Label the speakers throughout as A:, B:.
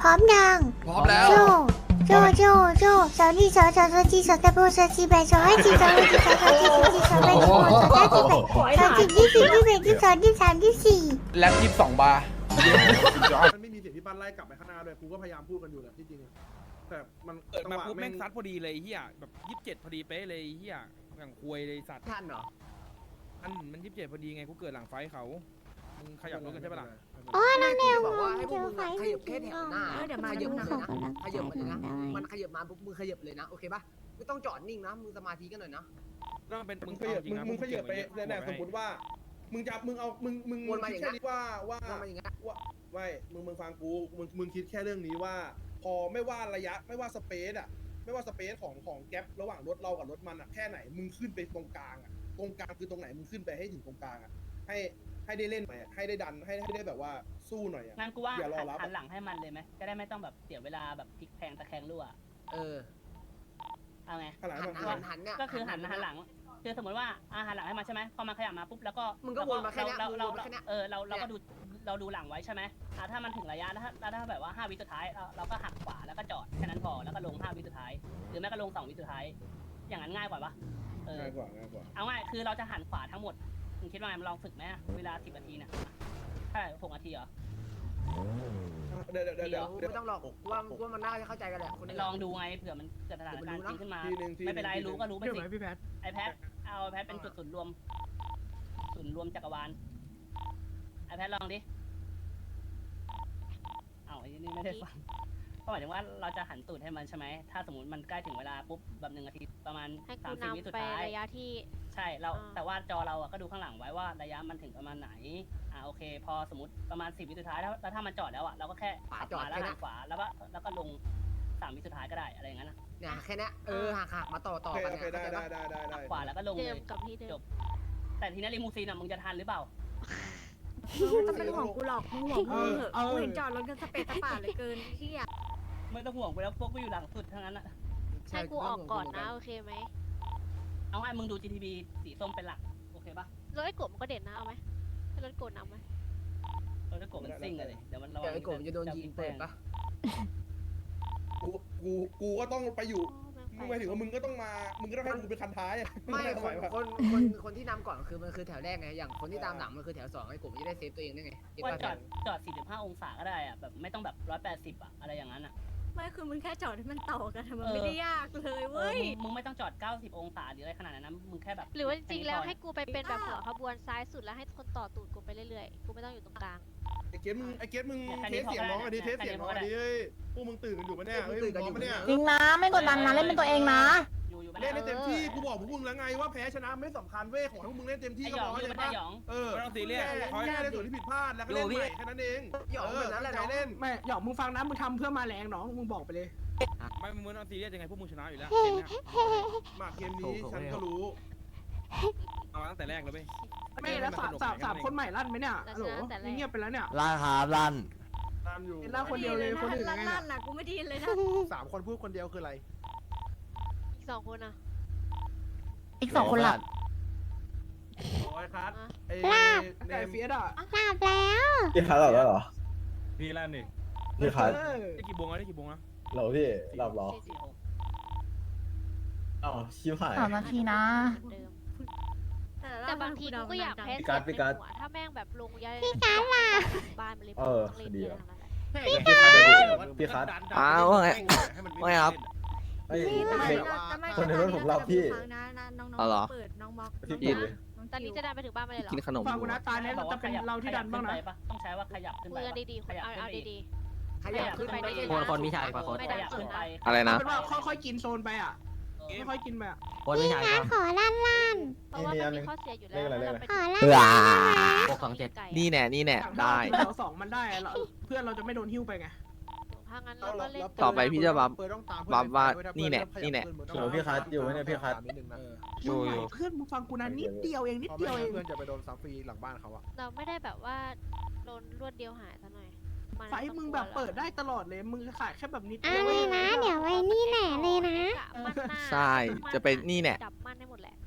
A: ร้อมยัง
B: พร้อมแล้ว
A: โจโจสาวนี่สาวจีสาวตะโบสาวจีแบสาวให้จีสาวให้จีสาวจีสาวจีสาวแบสาวสาวจีแบสาวจีที่4 ที่5 ที่ 6 ที่ 7 ที่ 8 ที่ 9 ที่ 10 ที่ 11 ที่ 12 ที่ 13 ที่ 14
B: แล็ป22 บาร์
C: มันไม่มีเสียงที่ปั้นไล่กลับไปข้างหน้าด้วยกูก็พยายามพูดกันอยู่แหละที่จริงแต่มัน
D: เกิด
C: จัง
D: มา
C: หวะ
D: ปุ๊บ
C: แม่
D: แม่
C: ง
D: งซัดพอดีเลยเฮียแบบ27พอดีเป๊ะเลยเฮียอย่างควยเลยสัตว์
E: ทันเหรอ
D: มัน27พอดีไงกูเกิดหลังไฟเขามึงขยับรถกันใช่ปะล่ะ
A: อ๋อน้องแนว
E: บอกว่าให้พ
A: เจ
E: วก
A: อ
E: มึง
A: ไฟ
E: ขยับแค่แถวหน้า
F: เดี๋ยวมา
E: ขยับเลยนะ
A: ข
E: ข
A: ยั
E: ยั
A: บบ มา
E: เลยนะ
A: ได้
E: มันขยับมาปุ๊บมึงขยับเลยนะโอเคปะไม่ต้องจอดนิ่งนะมึงสมาธิกันหน่อยนะ
D: ต้องเป็น
C: มึ
D: มึ
C: ง
D: ง
C: ขยับ
D: จริงนะ
C: มึงขยับไป
D: เก่งก
C: เนี่ย
D: ว่า
C: สมมติว่ามึงจะมึงเอามึง
E: วนมาอย่าง
C: คิด
E: นั้
C: แค่
E: น
C: นี้ว่า
E: ทำมาอย่างเงี้ย
C: ไม่มึงฟังกูมึงคิดแค่เรื่องนี้ว่า พอไม่ว่าระยะไม่ว่าสเปซอะไม่ว่าสเปซของแก๊ประหว่างรถเรากับรถมันอะแค่ไหนมึงขึ้นไปตรงกลางอะตรงกลางคือตรงไหนมึงขึ้นไปให้ถึงตรงกลางอะให้ได้เล่นหน่อยอะให้ได้ดันให้ได้แบบว่าสู้หน่อยอะ
G: งั้นกูว่า
C: อย่ารอรับ
G: หันหลังให้มันเลยไหมจะได้ไม่ต้องแบบเสียเวลาแบบพลิกแพงตะแคงรั่ว
E: เออ
G: เอาไง
C: ขนาด
E: หั
C: นั้น น
E: หันเนี่ย
G: ก็คือหันหลังคือสมมติว่าหันหลังให้มันใช่ไหมพอมันขยับมาปุ๊บแล้วก็
E: มึงก็วนมาแค่เนี้ย
G: เรา
E: มึงวนมาแค่เนี้ย
G: เราก็ดูหลังไว้ใช่ไหมถ้ามันถึงระยะแล้วถ้าแบบว่า5 วิสุดท้ายเราก็หักขวาแล้วก็จอดแค่นั้นพอแล้วก็ลง5 วิสุดท้ายหรือแม้ก็ลง2 วิสุดท้ายอย่างนั้นง่ายกว่าปะ
C: ง่ายกว่า
G: เอาง่ายคือเราจะหันขวาทั้งหมดมึงคิดว่าไงมันลองฝึกไหมเวลา10 นาทีเนี่ยใช่6 นาทีเหรอ
C: เดี๋ยว
E: ไม่ต้องหรอกว่ามันน่าจะเข้าใจกันแหละคน
G: ลองดูไงเผื่อมันเกิดสถานการณ์จริงขึ้นมา
C: ทีนึง
G: ไม่เป็นไรรู้ก็รู้ไป
F: เดี๋ยว
G: สิ
F: ไหมพี่แพท
G: ไอแพทเอาไอแพทเป็นจุดศูนย์รวมจักรวาลไอแพทลองดิเอาไอ้นี่ไม่ได้ฟังก็หมายถึงว่าเราจะหันตูดให้มันใช่ไหมถ้าสมมติมันใกล้ถึงเวลาปุ๊บแบบ1 นาทีประมาณ
H: ให้กู
G: 30 วิสุ
H: นำ
G: ด
H: ไป
G: ท้าย
H: ระยะที่
G: ใช่เรา
H: อ่า
G: แต่ว่าจอเราอะก็ดูข้างหลังไว้ว่าระยะมันถึงประมาณไหนโอเค พอสมมติประมาณ10 วิสุดท้ายแล้วถ้ามันจอดแล้วอะเราก็แค่หักขวาแล้วหักขวาแล้วก็ลง3 วิสุดท้ายก็ได้อะไรอย่างนั้นนะ
E: เนี่ยแค่เนี้ยหักมาต่อ
C: โอเค
E: กัน
C: โอเค
E: เนี่ย
C: ได้
G: หักขวาแล้วก็ลง
H: เดิ
G: เล
H: ม
G: ย
H: กับที่เดิ
G: จ
H: ม
G: บ แต่ทีนี้ลิมูซีนอะมึงจะทันหรือเปล่า
F: จะเป็นของกูหรอกมึงห่วงมึงเหอะกูเห็นจอดรถกันสเปซสปาเหลือเกินที่อ่ะ
G: ไม่ต้องห่วงไปแล้วพวกกูอยู่หลังสุดทั้งนั้นอะ
H: ให้กูออกก่อนนะโอเคไหม
G: เอาไงมึงดู GTB สีส้มเป็นหลักโอเคปะ
H: รถไอ้กบมันก็เด่นนะเอาไหมให้รถโกดนำไหม
G: เราจะกดมันซิ่งเลยเดี๋ยวมันระวั
E: เดี๋ยวไอ้กบจะโดนยิงเปิดปะ
C: กูก็ต้องไปอยู่
H: โอ้
C: มึงหมายถึงว่ามึงก็ต้องให้กูเป็นคันท้ายอะ
E: ไม่คนที่นำก่อนคือมันคือแถวแรกไงอย่างคนที่ตามหลังมันคือแถว2ไอ้กบจะได้เซฟตัวเองได้ไง
G: ว่าจอด 45 องศาก็ได้อะแบบไม่ต้องแบบ 180อะอะไรอย่างนั้นอะ
F: ไม่คือมึงแค่จอดให้มันต่อกันมันไม่ได้ยากเลยเว้ย
G: มึงไม่ต้องจอด 90 องศาหรืออะไรขนาดนั้นนะมึงแค่แบบ
H: หรือว่าจริงๆแล้วให้กูไปเป็นแบบหัวขบวนซ้ายสุดแล้วให้คนต่อตูดกูไปเรื่อยๆกูไม่ต้องอยู่ตรงกลาง
C: ไอ้เกตมึงเทสเสียงน้องอันนี้เทสเสียงน้องอันนี้เฮ้ยพวกมึงตื่นกันอยู่ปะเนี่ยเฮ้ยมึงพร้อมปะเนี่ย
A: จริงนะไม่กดดันนะเล่นเป็นตัวเองนะ
G: อยู่
C: เล่นได้เต็มที่กูบอกพวกมึงแล้วไงว่าแพ้ชนะไม่สำคัญเว้ยของพวกมึงเล่นเต็มที่
G: ไอ
C: ก็
G: หย
C: พ
G: อง
C: อ
G: อยู่
C: ใช่
G: ไม่ได้
C: ปะ
G: หยอง
D: ไม่ต้องซีเรียส
C: แค่ในส่วนที่ผิดพลาดแล้วก็เล่นใหม่แค่นั้นเอง
E: หยอกแบบนั้นแหละ
C: ใจ
E: น้อง
C: เล่น
F: ไม่หยอกมึงฟังนะมึงทำเพื่อมาแรงน้องมึงบอกไปเลย
D: ไม่มึงไม่ต้องซีเรียสยังไงพวกมึงชนะอยู่แล้ว
C: มาเกมนี้ฉันก็รู้
D: เอาตั้งแต่แรกเลยเว้ย
F: ไม่แล้วสามคนใหม่ลั่นไหมเนี่ยฮัลโหลเงียบไปแล้วเนี่ย
I: ลั่นครับลั่น
C: ตามอยู่
F: เล่นคนเดียวเลยคนอื่นไง
J: ลั่นนะกูไม่ได้ยินเลยนะ
C: 3 คนพูดคนเดียวคืออะไร
H: อีก2 คนอ่ะ
A: อีก2 คนหลับ
C: โอ้ยคัทเน
F: ไก่
C: ม
F: เฟียสอ่ะ
A: หลับแล้ว
I: พี่คัดหลับแล้วเหรอ
D: พี่ลั่นนี่
I: พี่คัด
D: ได้กี่โมงแล้วได้กี่โมงแล้ว
I: เหรอพี่หลับเหรอ
G: 46
I: อ้าวชิบหาย
A: 3 นาทีนะ
H: เหมือนเดิมแต่บางทีกูก็อยากแพ้
I: พี่การ์ด
H: เสี
I: พี่
H: ยง
I: การ์ด
H: ในหัวถ้าแม่งแบบลงยาพี่การ์ดล่ะบ้านมันเลยต้องเล่น
I: ดี
H: เย
I: อะ
H: อะทั้งนั้นแหละ
I: พี่คัด
B: ว่าไงว่าไงครับ
I: ไอ้
J: แต่ไม่
I: เด็ก คนในรถผมหลับพี่
J: น้อง
B: อ๋อเหรอ
J: เปิดน้องม็อก
I: พี่ปิดเลย
H: ตอนนี้จะดันไปถึงบ้านมาเลยเหรอ
B: กินขนม
F: ฟังกูนะตาเนี้ยเราจะเป็นเราที่ดันบ้างนะ
G: ต้องใช้ว่าขยับขึ้น
H: คุ
G: ไป
H: ยกันดีๆคนเอาดี
E: ขยับขึ้นไปได้
B: คนมีชายกว่าคน
H: ไม่ดันสุดนะ
B: อะไรนะ
F: เป็นว่าค่อยๆกินโซนไปอ่ะค่อยๆกินไปอ่ะ
B: คนมีชาย
A: ขอลั่น
H: เพราะว่ามันมีข้อเสียอยู่แล้วเราไป
A: ขอลั่น
B: เบื่อ
H: ไก่
B: นี่แน่นี่แน่
F: อย่าง
B: ได้
F: แถว2มันได้เพื่อนเราจะไม่โดนหิ้วไปไง
H: ถ้างั้นเราก็เล่น
B: ต่อไปพี่จะบัฟ
C: เปิดต้องตาม
B: บัฟว่านี่แน่นี่แน่
I: โหพี่คัดอยู่ไหมเนี่ยพี่คัด
B: อยู่อยู่
F: เพื่อนมึงฟังกูนะนิดเดียวเองนิดเดียวเอง
C: เพื่อนจะไปโดนซัฟฟรีหลังบ้านเขาอะ
H: เราไม่ได้แบบว่าโดนรวดเดียวหายซะหน่อย
F: ไฟมึงแบบเปิดได้ตลอดเลยมึงขายแค่แบบนิด
A: อ่ะ
F: เดียว
A: เลยนะ เดี๋ยวไว้นี่แหละเลยนะ
B: ใช่จะเป็นนี่แน่
H: จับมันได้หมดแหละ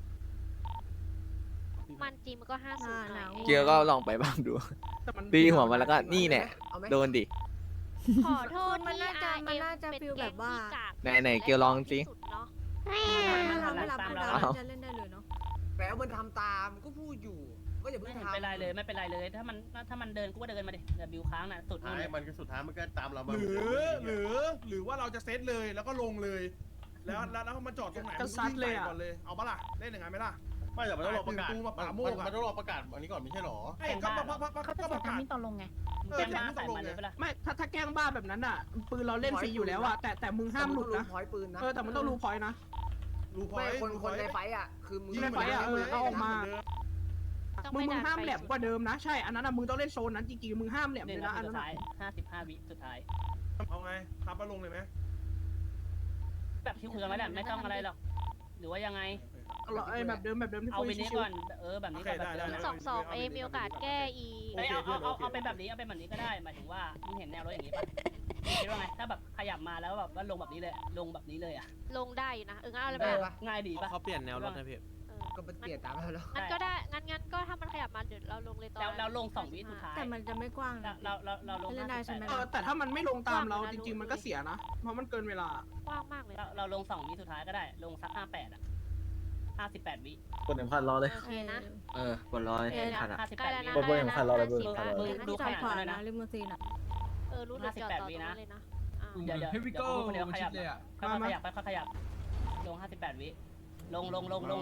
H: มันจริงมันก็50
B: เกียร์ก็ลองไปบ้างดู
F: แต่มัน
B: ตีหัวมันแล้วก็นี่แน่โดนดิ
H: ขอโทษ
J: มันน่าจะ
H: ที่
J: มันน่าจะ
H: เป็น
J: ฟีลแบบว่า
H: ก๊งที่กก
B: ไหนเกียวลองสิ
H: ที่สุดเนาะ
J: ถ้าเราไม่รับเขาดาวน์จะเล่นได้เลยเนาะ
E: แปลว่ามันทำตามก็พูดอยู่ว่าอย่าเพิ่
G: ไม่
E: ง
G: เห็น
E: ทำ
G: เป็นไรเลยไม่เป็นไรเลยถ้ามันเดินกูก็เดินมาดิเดี๋ยวบิวค้างน่ะสุดนู่นเลย
I: มันก็สุดท้ายมันก็ตามเรา
C: หรือว่าเราจะเซตเลยแล้วก็ลงเลย แล้วมันจอดตรงไหนก็ซัดเลยก่อนเลยเอาปะล่ะเล่นยังไงไหมล่ะ
I: ไม่แต่มันต้องรอประกาศ
C: ตูมาป่าโมก
I: มันต้องรอประกาศอันนี้ก่อนไม่ใช่หรอ
C: ไอ้ก็ประกาศ
F: ตอนลงไง
G: มึงแจ้งมาใส่มันเลยปะล่ะ
F: ไม่ถ้าแกล้งบ้าแบบนั้นอ่ะปืนเราเล่นฟรีอยู่แล้วอ่ะแต่มึงห้ามหลุดนะ
E: พอยปืนนะ
F: แต่มันต้องรู้พอยนะ
C: รู้พอ
E: ไม่
C: ย
E: คนในไฟอ่ะคือมึง
F: ในไฟอะเอาออกมา
H: ต้อง
F: มึ
H: ไม่
F: ง
H: นาน
F: ห้าม
H: ไป
F: แหลมกว่าเดิมนะใช่อันนั้นมึงต้องเล่นโซนนั้นจริงๆมึงห้ามแหลม
G: ห
F: เล
G: นึ่ง
F: ย
G: นา
F: นะอัน
G: ที
F: นั้
G: สุ
F: น
G: ดท้าย55 วิสุดท้าย
C: เอาไงทับมาลงเลยไหม
G: แบบที่คุยกันไว้แหละไม่ต้องอะไรหรอกหรือว่ายังไง
F: แบบเดิมที่
G: เอา
F: คุย
G: ไปนี้
F: ชิว
G: ก่อนแบบนี้ก่อนแบบเดิม
H: 2-2มีโอกาสแก้อี
G: เอาเป็นแบบนี้เอาเป็นแบบนี้ก็ได้หมายถึงว่ามึงเห็นแนวรถอย่างนี้ป่ะคิดว่าไงถ้าแบบขยับมาแล้วแบบว่าลงแบบนี้เลยลงแบบนี้เลยอ่ะ
H: ลงได้อยู่นะงั้นเอาอะไร
E: ได้
H: มา
E: ปะ
G: ง่ายดีป่ะ
B: เขาเปลี่ยนแนวรถนะพี่
E: ก็มันเปลี่ยนตามเราแล้ว
H: งั้นก็ได้งั้นก็ถ้ามันขยับมาเดี๋ยวเราลงเลยตอน
G: แล้วลง2 วิสุดท้าย
J: แต่มันจะไม่กว้างนะ
G: เราลง
J: เล่นได้ใช่ไหม
F: แต่ถ้ามันไม่ลงตามเราจริงๆมันก็เสียนะเพราะมันเกินเวลาก
H: ว้างมากเลย
G: เราลง2 วิสุดท้ายก็ได้ลงสัก58อ่ะ58 วิ
I: คน1,000รอเลย
H: โอเคนะ
B: กดร้อย
H: ใกล้แล้วนะ
I: บนอย่างคันเราเลย
H: 50
J: ที่จอดขวานะริมซีนอ่ะ
H: รู้เดี๋ยวจอดต่อตรงนั้นเลยนะ
G: เดี๋ยวคนเดียวขยับค่อยขยับค่อยขยับลง58 วิลง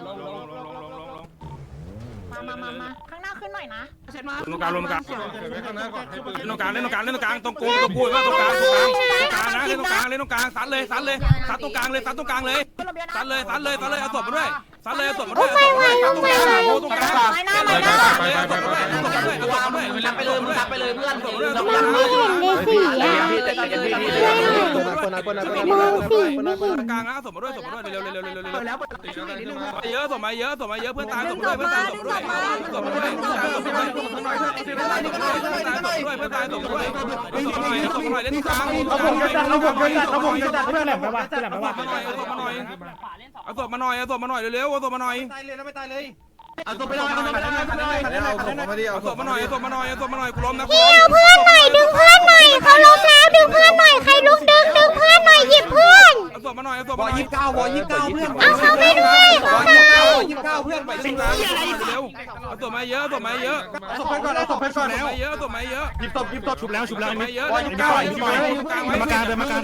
F: มาข้างหน้าขึ้นหน่อยนะเสร็จมา
D: ตรงกลางตรงกลางเล่นตรงกลางตรงกูตรงพูดว่าตรงกลางนะเล่นตรงกลางซัดเลยซัดตรงกลางเลยซัดเอาศพมาด้วยเอาศพมาด้วยซัดตรงกลางโอ้ตรงกลางซัดไปเลยเพื่อน
A: มองไม่เห็นเลยสิอ่ะ
D: ตรงกลางนะเอาศพมาด้วยเร็ว
F: แล้วนิดนึง
D: เยอะศพมาเยอะเพื่อนตายศพมาด้วยเพื่อนตายศพมาด้วยเพื่อนตายศพมาด้วยเอาศพมาหน่อยเล่นกลางเอาศพมาหน่อยเร็วเอาศพมาหน่อย
I: ตายเลยนะไม่ตายเลย
D: เอาศพมาหน่อยกูล้มนะ
A: พี่เอาเพื่อนหน่อยดึงเพื่อนหน่อยเขาล้มแล้วดึงเพื่อนหน่อยใครลุกดึงเพื่อนหน่อยหยิบเพื่อน
D: เอาศพมาหน่อยเพื่อน
A: เอาเขาไม่ด้วยเขาไม่
D: เพื่อนไปสิเร็วเอาศพมาเยอะเอาศพก่อนเยอะหยิบศพชุบแล้วมาเยอะเดินมากลางเดินมากลาง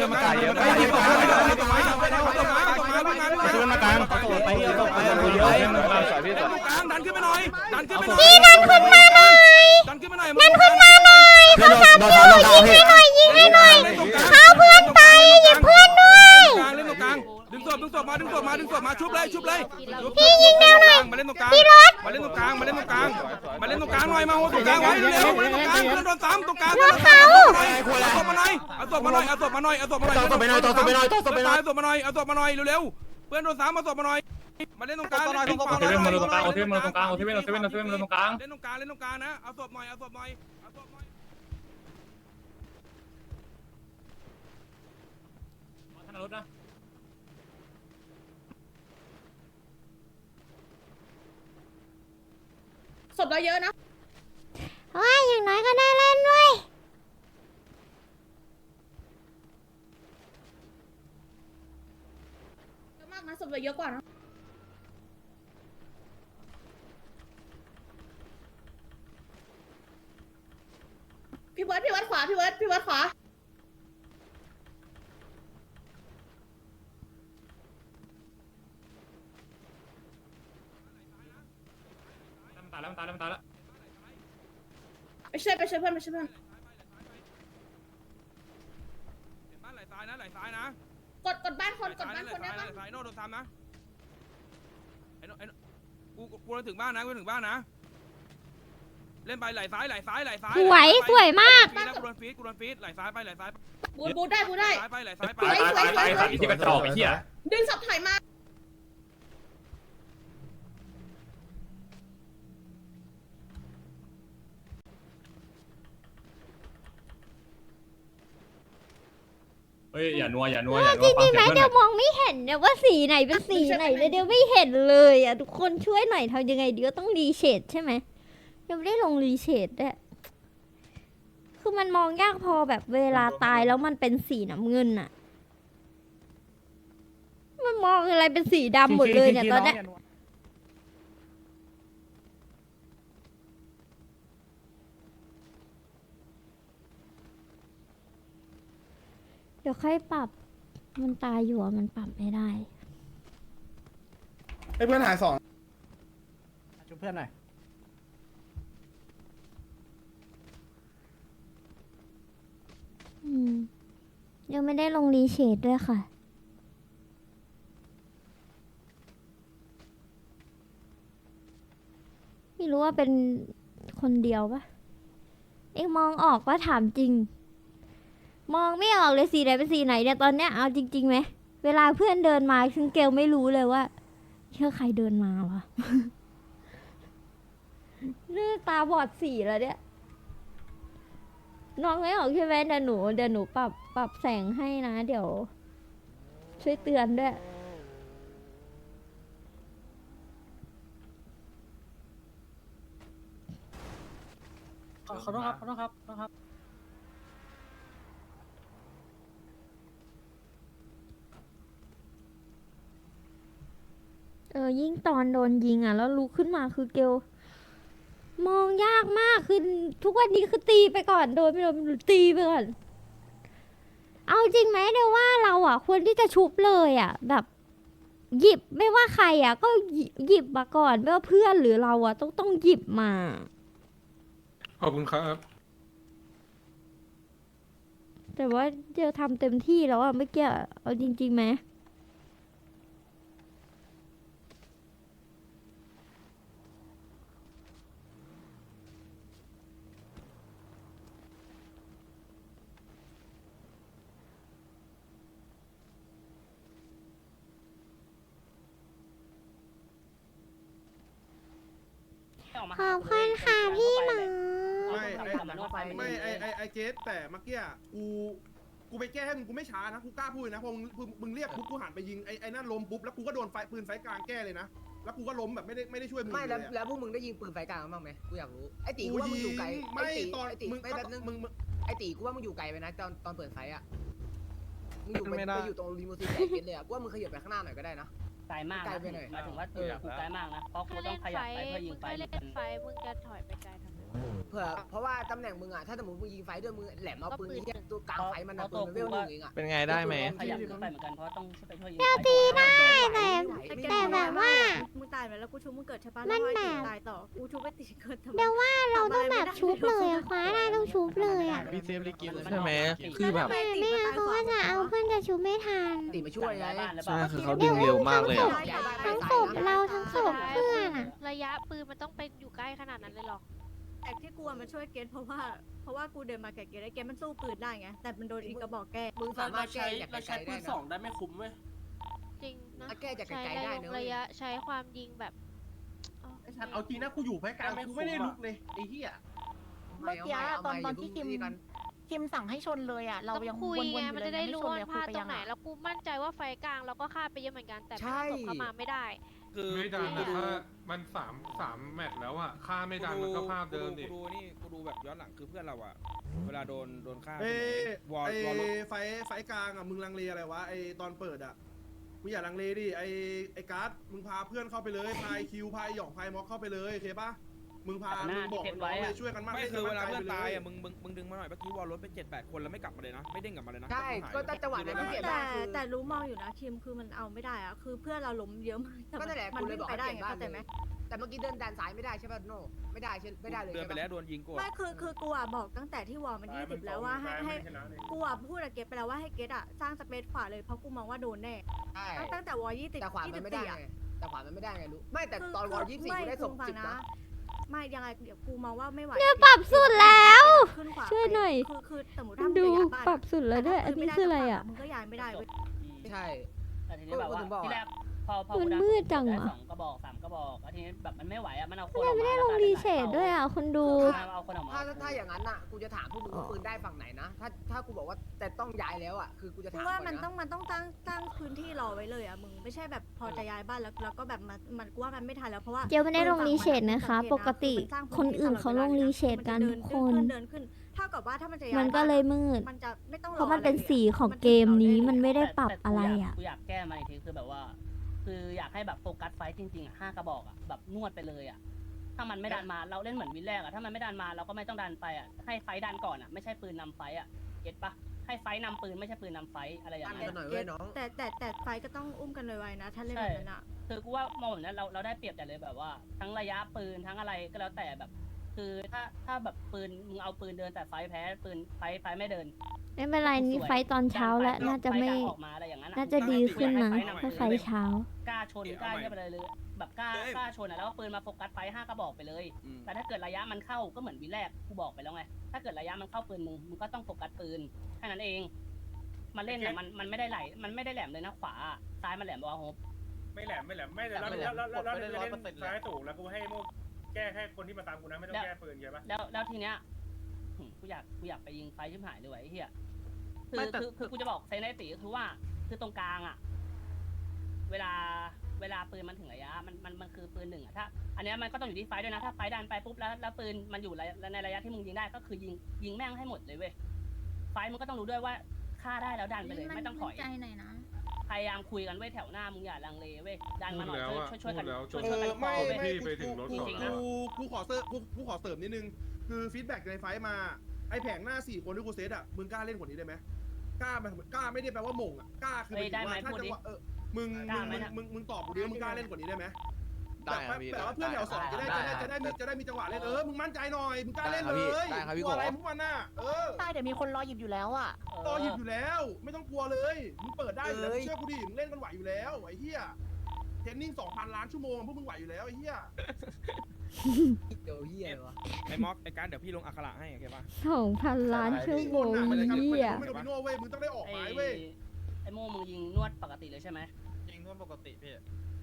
D: ดันขึ้นมาหน่อย
A: พี่นั่นขึ้นมาหน่อยเขาสามตัวยิงให้หน่อยเขาเพื่อนตายหยิบเพื่อนด้วย
D: เล่นตรงกลางดึงศพมาชุบเลย
A: พี่ยิงแนวหน่อย
D: มาเล่นตรงกลาง
A: พี่รถ
D: มาเล่นตรงกลางหน่อยมาโหตรงกลางไว้เร็วมาเล่นตรงกลางเพื่อนโดนซ้ำตรงกลางเอาศพมาหน่อยเอาศพมาหน่อยเอาศพมาหน่อยเร็วเพื่อนโดนซ้ำเอาศพมาหน่อยมาเล่นตรงกลางเล่นตรงกลางนะเอาศพหน่อย
F: ศพเราเยอะนะ
A: ว้ายอย่างน้อยก็ได้เล่นด้วย
F: เยอะมากนะศพเราเยอะกว่านะพี่เบิร์ดขวาพี่เบิร์ดขวาตายแล้วไปช่วยเพื่อน
D: บ้านไหลซ้ายนะ
F: กดบ้านคนได้ปะ
D: ซ้ายโน่โดนซ้ำนะไอ้กูถึงบ้านนะเล่นไปไหลซ้าย
A: สวยมาก
D: กูโดนฟีดไหลซ้ายไป
F: บูได้
D: ไปไหลซ้ายไป
I: ที่กระจอกไอ้เหี้ย
F: ดึงศพถอยมา
I: เฮ้ยอย่านัว
A: จริงๆไหมเดี๋ยวมองไม่เห็นเนี่ยว่าสีไหนเป็นสีไหนเลยเดี๋ยวไม่เห็นเลยอ่ะทุกคนช่วยหน่อยทำยังไงเดี๋ยวต้องรีเชดใช่ไหมยังไม่ได้ลงรีเชดด้วย
K: คือมันมองยากพอแบบเวลาตายแล้วมันเป็นสีน้ำเงินอะมันมองอะไรเป็นสีดำหมดเลยเนี่ยตอนเนี้ยเดี๋ยวค่อยปรับ มันตายอยู่อะมันปรับไม่ได้
C: ไอ้เพื่อนหาย2
B: ช่วยเพื่อนหน่อย
K: ยังไม่ได้ลงรีเชดด้วยค่ะ ไม่รู้ว่าเป็นคนเดียวปะเอ็งมองออกว่าถามจริง มองไม่ออกเลยสีไหนเป็นสีไหนเนี่ยตอนเนี้ยเอาจริงๆไหมเวลาเพื่อนเดินมาซึ่งเกลไม่รู้เลยว่าเชื่อใครเดินมาวะ เลือตาบอดสีแล้วเนี่ยน้องไม่ออกใช่ไหมเดี๋ยวหนูปรับแสงให้นะ เดี๋ยว ช่วยเตือนด้วย
B: ขอโทษครับขอโทษครับ
K: ยิ่งตอนโดนยิงอ่ะแล้วลุกขึ้นมาคือเกลมองยากมากคือทุกวันนี้คือตีไปก่อนโดนไม่โดนตีไปก่อนเอาจริงไหมเดี๋ยวว่าเราอ่ะควรที่จะชุบเลยอ่ะแบบหยิบไม่ว่าใครอ่ะก็หยิบมาก่อนไม่ว่าเพื่อนหรือเราอ่ะต้องหยิบมา
D: ขอบคุณครับ
K: แต่ว่าเดี๋ยวทำเต็มที่แล้วอ่ะเมื่อกี้เอาจริงๆไหมขอบคุณค่ะพี่หมอ
C: ไม่ไอเกสแต่เมื่อกี้กูไปแก้ให้มึงกูไม่ช้านะกูกล้าพูดนะพอมึงเรียกปุ๊บกูหันไปยิงไอ้นั่นล้มปุ๊บแล้วกูก็โดนปืนไฟกลางแก้เลยนะแล้วกูก็ล้มแบบไม่ได้ช่วยมึง
E: ไม่
C: เลย
E: แล้วพวกมึงได้ยิงปืนไฟกลางบ้างไหมกูอยากรู้ไอ้ตีกูว่ามึงอยู่ไกล
C: ไม่ตอน
E: ไอ้ตี
C: มึง
E: ไม่แบบนึง
C: มึง
E: ไอ้ตีกูว่ามึงอยู่ไกลไปนะตอนเปิดไฟอ่ะมึงอยู่ตรงรีโมซีนไอ้เกตเลยอ่ะกูว่ามึงขยับไปข้างหน้าหน่อยก็ได้นะ
G: ไกลมาก
E: ไกล
G: นะ
E: ไปหน่อย
G: หมายถึงว่ากูไกลมากนะ เพราะกู
H: ถ้า
G: ต้
H: เล่
G: อง
H: น
G: ข
H: ไฟ
G: ยับไปเพื่อยิ
H: มึ
G: ง
H: ง
G: ไฟ
H: ก็เล่นไฟมึงจะถอยไปไกลทำไม
E: เพราะว่าตำแหน่งมึงอ่ะถ้าสมมติมึงยิงไฟด้วยมึงแหลมเอาปืนยิงตัวกลางไฟมันนะปืนมันเวลหนึ่งเองอ่ะ
B: เป็นไงได้ไหม
G: ขยับขึ้นไปเหมือนกันเพราะต้องไปช่วยยิง
A: ตีได้ แต่แบบว่า
J: มึงตายไปแล้วกูชุบมึงเกิดใช่ปะ
A: มัน
J: แล้ว
A: แบ
J: ให้
A: บ
J: ตายต่อกูชุบไปตีเกิดทำไม
A: เดี๋ยวว่าเราต้องแบบชุบเลยอะคว้าได้ต้องชุบเลยอะ
B: พี่เซฟลิกิใช่ไหมคือแบบ
A: ไม่งั้นเขาก็จะเอาเพื่อนจะชุบไม่ทัน
E: ตีมาช่วยไง
B: ใช่คือเขาดึงเร็วมากเลยอะ
A: ทั้งศพเราทั้งศพเพื่อนอะ
H: ระยะปืนมันต้องเป็นอยู่ใกล้ขนาดนั้นเลยหรอ
J: แต่ที่กูมันช่วยเกตเพราะว่ากูเดินมาแกะเกตไอ้เกตมันสู้ปืนได้ไงแต่มันโดนอีกกระบอกแก้
E: มึงสามารถแก้จากไกลๆได้นะ
B: ได้ไม่คุ้มเว้ย
H: จริงนะ
E: ถ้าแก้จากไกล
H: ใช้
E: ๆได้นะเว้ย
H: ระยะใช้ความยิงแบบ
B: ไอ้สัตว์เอาจริงนะกูอยู่ไฟกลางกูไม่ได้ลุกเลยไอ้เหี้ย
E: เมื่อกี้ตอนที่คิม
F: สั่งให้ชนเลยอ่ะ เรา
H: ต้อง
F: ยัง
H: คุย
F: วนๆอ
H: ไง
F: ยู่
H: มัน
F: เลย
H: จะได้
F: ไม่
H: รู้
F: ชน
H: ว่า
F: เลย
H: พลาด
F: คุยไป
H: ตร
F: ยัง
H: งไหน
F: อ่ะ
H: แล้วกูมั่นใจว่าไฟกลางเราก็ฆ่าไปเยอะเหมือนกัน แต่ไม่ได้ตกเข้ามาไม่ได้
D: คือ
L: ไม่ดันนะถ้ามันสามแมตช์แล้วอ่ะค่าไม่ดันมันก็ภาพเดิมดิ
D: กูดูแบบย้อนหลังคือเพื่อนเราอ่ะเวลาโดนฆ่า
C: ไฟกลางอ่ะมึงลังเลอะไรวะไอตอนเปิดอ่ะมึงอย่าลังเลดิไอการ์ดมึงพาเพื่อนเข้าไปเลยพายคิวพายหยองพายม็อกเข้าไปเลยโอเคปะมึงบอกน้องเลยช่วยกันมาก
D: ไม่คือเวลาเพื่อนตายอ่ะมึงดึงมาหน่อยเมื่อกี้วอลรถเป็น7-8 คนแล้วไม่กลับมาเลยนะไม่เด้งกลับมาเลยนะ
E: ใช่ก็จังหวะนั้นที่เสียได้คือ
J: แต่รู้มองอยู่นะคิมคือมันเอาไม่ได้อะคือเพื่อนเราล้มเยอะมากแต่
E: ก็นั่นแหละ
J: มัน
E: กูเลย
J: วิ่ง
E: บอก
J: ไป
E: ให้
J: ได้
E: เปลี่ยน
J: ไง
E: บ้าน
J: เข้าใจไหม
E: แต่เมื่อกี้เดินด้านซ้ายไม่ได้ใช่ป่ะโน่ไม่ได้ใช่ไม่ได้เลย
D: เดินไปแล้วโดนยิงกู
J: ไม่คือกูอะบอกตั้งแต่ที่วอลมัน20แล้วว่าให้กูอะพูดกับเกตไปแล้วว่าให้เกตอะสร้างสเปซขวาเลยเพราะกูมองว่าโดนแน่
E: ใช่
J: ตั้งแต่วอล20
E: แต่ขวามันไม่ได้
J: 24อะ
E: ไงแต่ขวามันไม่ได้ไงรู้ไม่แต่ตอนวอล24กูได้ศพ10นะ
J: ไม่ยังไงเดี๋ยวกูมองว่าไม่ไหว
K: เนี่ยปรับสุดแล้ว
J: ขึ้นขวา
K: ช่วยหน่อย
J: คือสมมติถ้ามึง
K: ดู
J: จะย้ายบ้าน
K: ปรับสุดแล้วด้วยอันนี้คืออะไรอ่ะ
J: มึงก็ย้ายไม่ได้เว้ย
E: ใช่
G: แต่ทีนี้แบบว่าที่แรกพอ
K: มัน
G: กูดั
K: มืดจัง
G: ได้
K: วะ
G: 2 กระบอก3 กระบอกแล้วทีนี้แบบมันไม่ไหวอ่ะมันเอาคน
K: ไม่ได้ลงรีเชดด้วยอ่ะคนดู
G: เอาคนออกมา
E: ถ้าอย่างนั้นอ่ะกูจะถามพวกมึงว่าปืนได้ฝั่งไหนนะถ้ากูบอกว่าแต่ต้องย้ายแล้วอ่ะคือกูจะ
J: กู
E: ถาม
J: ว่า
E: ก่อน
J: มันต้อ
E: นะ
J: งตั้งพื้นที่รอไว้เลยอ่ะมึงไม่ใช่แบบพอจะย้ายบ้านแล้วก็แบบมันกูว่ามันไม่ทันแล้วเพราะว่า
K: เจียวไม่ได้ลงรีเชดนะคะ ปกติคนอื่นเขาลงรีเชดกันทุกคน
J: เดินขึ้นถ้าากับว่าถ้ามันจะ
K: มันก็เลยมืด
J: มันจะไม่ต้อง
K: เพราะมันเป็นสีของเกมนี้มันไม่ได้ปรับอะไรอ่ะ
G: กูอยากแก้มาอีกทีคือแบบว่า คืออยากให้แบบโฟกัสไฟจริงๆอ่ะ5 กระบอกอ่ะแบบนวดไปเลยอ่ะถ้ามันไม่ดันมาเราเล่นเหมือนวินแรกอ่ะถ้ามันไม่ดันมาเราก็ไม่ต้องดันไปอ่ะให้ไฟดันก่อนอ่ะไม่ใช่ปืนนำไฟอ่ะเก็ตปะให้ไฟนำปืนไม่ใช่ปืนนำไฟอะไรอย่างเงี้ย
J: แต่ไฟก็ต้องอุ้มกันไวๆนะถ้าเล่นแบบนั้นอ่ะ
G: คือกูว่ามองแบบนั้นเราได้เปรียบแต่เลยแบบว่า ทั้งระยะปืนทั้งอะไรก็แล้วแต่แบบ คือถ้าแบบปืนมึงเอาปืนเดินแต่ไฟแพ้ปืนไฟไม่เดิน
K: ไม่เป็นไรนี่ไฟตอนเช้าแล้วน่าจะไม่
G: ออกมาอะไรอย่างนั้น
K: น่าจะดีขึ้นนะถ้าไฟเช้า
G: กล้าชนกล้าเนี่ยไปเลยแบบกล้าชนอ่ะแล้วปืนมาโฟกัสไฟ5 กระบอกไปเลย แต่ถ้าเกิดระยะมันเข้าก็เหมือนวิแรกกูบอกไปแล้วไงถ้าเกิดระยะมันเข้าปืนมึงก็ต้องโฟกัสปืนแค่นั้นเองมาเล่นอ่ะมันไม่ได้ไหลมันไม่ได้แหลมเลยนะขวาซ้ายมันแหลมบอลโฮป
I: ไม่แหลมไม่แต่เราเล่นซ้ายสูงแล้วกูให้โม่แก้แค่คนที่มาตามกูนะไม่ต้องแก้ปืนใช่ปะ
G: แล้วทีเนี้ยกูอยากไปยิงไฟชิบหายเลยไอ้เหี้ยคือกูจะบอกเซนไอตีก็คือว่าคือตรงกลางอ่ะเวลาปืนมันถึงระยะมันคือปืน1อ่ะถ้าอันเนี้ยมันก็ต้องอยู่ที่ไฟด้วยนะถ้าไฟดันไปปุ๊บแล้วปืนมันอยู่ในระยะที่มึงยิงได้ก็คือยิงแม่งให้หมดเลยเว้ยไฟมึงก็ต้องรู้ด้วยว่าฆ่าได้แล้วดันไปเลยไม่ต้องถอย
J: ใจหน่อยนะ
G: พยายามคุยกันไว้แถวหน้ามึงอย่าลังเลเว้ยดันมาหน่อยช่วยกัน
C: ไม่
L: ไปถึงรถก่อน
C: กูขอเสริมนิดนึงคือฟีดแบ็กในไฟมาไอแผงหน้า4 คนที่กูเซตอ่ะมึงกล้าเล่นกว่านี้ได้ไหมกล้าไม่ได้แปลว่าหม่งอ่ะกล้าคือถ้าจังหวะมึงตอบกูดิมึงกล้าเล่นกว่านี้ได้ไหมแบบว่าเพื่อนแถว2จะได้มีจังหวะเล่นมึงมั่นใจหน่อยมึงกล้าเล่นเลยกลัวอะไรพวกมันน่ะ
F: ใช่เดี๋ยวมีคนรอหยิบอยู่แล้วอ่ะ
C: รอหยิบอยู่แล้วไม่ต้องกลัวเลยมึงเปิดได้อยู่แล้วเชื่อกูดิมึงเล่นกันไหวอยู่แล้วไอ้เหี้ยเทรนนิ่ง 2,000 ล้านชั่วโมงพวกมึงไหวอยู่แล้วไอ้เหี้ย
E: เดี๋ยวเหี้ยวะ
D: ไอ้ม็อกไอ้การเดี๋ยวพี่ลงอักขระให้โอเคปะ
K: 2,000 ล้านชั่วโมง
C: ไม่
K: เหี้ย
C: โดมิโน่เว้ยมึงต้องได้ออกไม้เว้ย
G: ไอ้โม่มึงยิงนวดปกติเลยใช่ไหม
I: ยิงทั่วปกติพี่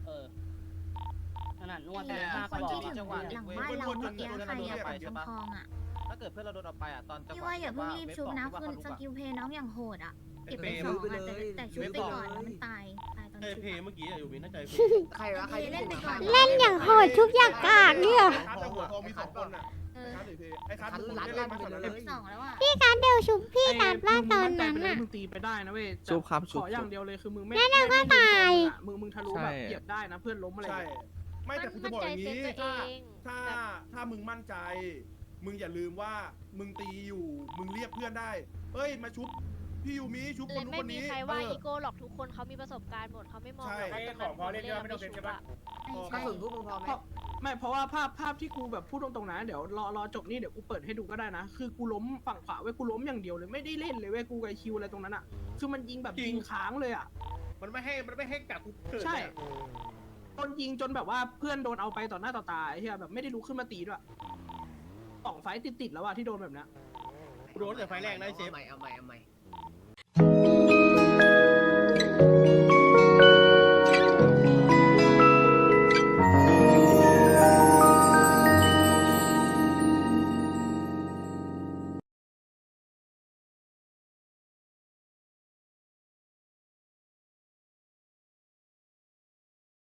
G: ขนาดนวด
J: คนที่ถึงหลังบ้านเราเมื่อกี้ใครอะฝั่งทองอะ
I: ถ้าเกิดเพื่อนเราโดนเอาไปอ่ะตอนจังห
J: พี่
I: วะ
J: ว่าอย่าเพิ่งรีบชุบนะคือสกิลเพย์น้องอย่างโหดอะเก็บไป2อะแต่ชุบไปก่อนมันตายตอนชุบ
B: เพเมื่อกี้อยู่วินน่าใจเพ
E: ใครวะใคร
J: เล่นไปก่อน
K: เล่นอย่างโหดชุบอย่างกากเนี่ย
C: คัดแต่หัวทองมี2 คนน่ะไอ้คัดมึงเล่นมาก่อนเลย
J: 2แล้วอะ
K: พี่การเดวชุบพี่การบ้าตอนนั้น
F: อ่ะ
K: อ่ะ
F: มึงตีไปได้นะเว้ย
I: ชุบครับ
F: ขออย่างเดียวเลยคือมึงไม่
K: แล้วเราก็ตาย
F: มึงทะลุแบบเหยียบได้นะเพื่อนล้มอะไร
C: ใช่ไม่แต่กูจะบอกอย่างนี้
H: มั่นใจเซนตัวเอง
C: ถ้ามึงมั่นใจมึงอย่าลืมว่ามึงตีอยู่มึงเรียกเพื่อนได้เอ้ยมาชุบพี่ยูมิชุบคนนู้น
H: ไม่
C: คน
H: มี
C: นี้
H: ใครว่าอีโก้หรอกทุกคนเขามีประสบการณ์หมดเขาไม่มองแบบว่าตรงนั้นผมเล่นแล้วไม่ชุบอะ
E: กระสุนพวกมึงพอไหม
F: ไม่เพราะว่าภาพที่กูแบบพูดตรงๆนะเดี๋ยวรอจบนี่เดี๋ยวกูเปิดให้ดูก็ได้นะคือกูล้มฝั่งขวาเว้ยกูล้มอย่างเดียวเลยไม่ได้เล่นเลยเว้ยกูกับคิวอะไรตรงนั้นอ่ะคือมันยิงแบบยิงค้างเลยอ่ะ
B: มันไม่ให้กัดกูเกิด
F: ใช่โดนยิงจนแบบว่าเพื่อนโดนเอาไปต่อหน้าต่อตาไอ้เหี้ยแบบไม่ได้ลุกขึ้นมาตีด้วย2 ไฟต์ติดๆแล้วอะที่โดนแบบนี้
B: กูโดนแต่ไฟแรกนะเชฟ
E: เอาใหม่